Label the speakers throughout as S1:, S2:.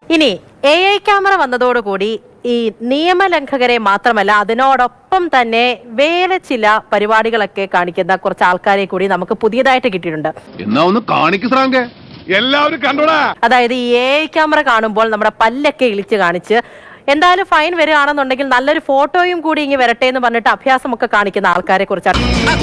S1: ഇനി AI camera വന്നതോടുകൂടി ഈ നിയമലംഘകരെ മാത്രമല്ല അതിനോടൊപ്പം തന്നെ വേറെ ചില പരിപാടികളൊക്കെ കാണിക്കുന്ന കുറച്ച് ആൾക്കാരെ കൂടി നമുക്ക് പുതിയതായിട്ട് കിട്ടിയിട്ടുണ്ട്. അതായത് ഈ AI ക്യാമറ കാണുമ്പോൾ നമ്മുടെ പല്ലൊക്കെ ഇളിച്ച് കാണിച്ച് എന്തായാലും ഫൈൻ വരികയാണെന്നുണ്ടെങ്കിൽ നല്ലൊരു ഫോട്ടോയും കൂടി ഇങ്ങനെ വരട്ടെ എന്ന് പറഞ്ഞിട്ട് അഭ്യാസമൊക്കെ കാണിക്കുന്ന ആൾക്കാരെ കുറിച്ചാണ്.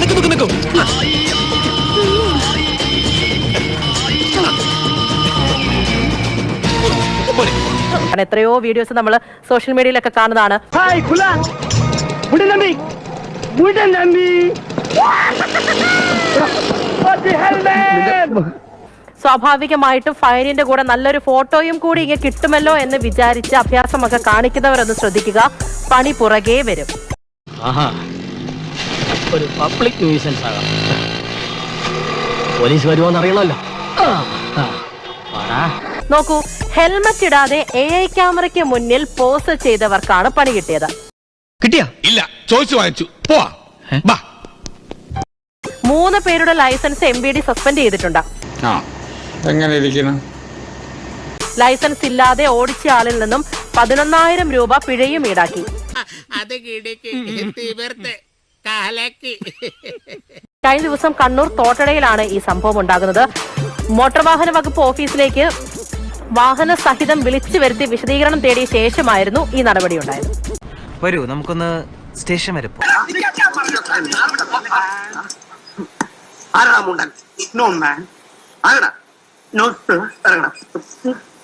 S1: എത്രയോ വീഡിയോസ് നമ്മൾ സോഷ്യൽ മീഡിയയിലൊക്കെ കാണുന്നതാണ്. സ്വാഭാവികമായിട്ടും ഫൈനിന്റെ കൂടെ നല്ലൊരു ഫോട്ടോയും കൂടി ഇങ്ങനെ കിട്ടുമല്ലോ എന്ന് വിചാരിച്ച് അഭ്യാസമൊക്കെ കാണിക്കുന്നവരൊന്ന് ശ്രദ്ധിക്കുക, പണി പുറകെ വരും.
S2: ഒരു പബ്ലിക് ന്യൂസൻസ് ആകാം, പോലീസ് വരുമോന്ന് അറിയണമല്ലോ.
S1: നോക്കൂ, ഹെൽമറ്റ് ഇടാതെ AI ക്യാമറയ്ക്ക് മുന്നിൽ പോസ് ചെയ്തവർക്കാണ് പണി കിട്ടിയത്.
S3: ഇല്ല, ചോദിച്ചു വാങ്ങിച്ചു.
S1: 3 പേരുടെ ലൈസൻസ് MVD സസ്പെൻഡ് ചെയ്തിട്ടുണ്ട്. ലൈസൻസ് ഇല്ലാതെ ഓടിച്ച ആളിൽ നിന്നും 11,000 രൂപ പിഴയും ഈടാക്കി. കഴിഞ്ഞ ദിവസം കണ്ണൂർ തോട്ടടയിലാണ് ഈ സംഭവം ഉണ്ടാകുന്നത്. മോട്ടോർ വാഹന വകുപ്പ് ഓഫീസിലേക്ക് വാഹന സഹിതം വിളിച്ചു വരുത്തി വിശദീകരണം തേടിയ ശേഷമായിരുന്നു ഈ നടപടി ഉണ്ടായത്.
S4: വരൂ, നമുക്കൊന്ന് സ്റ്റേഷൻ വരെ പോകാം.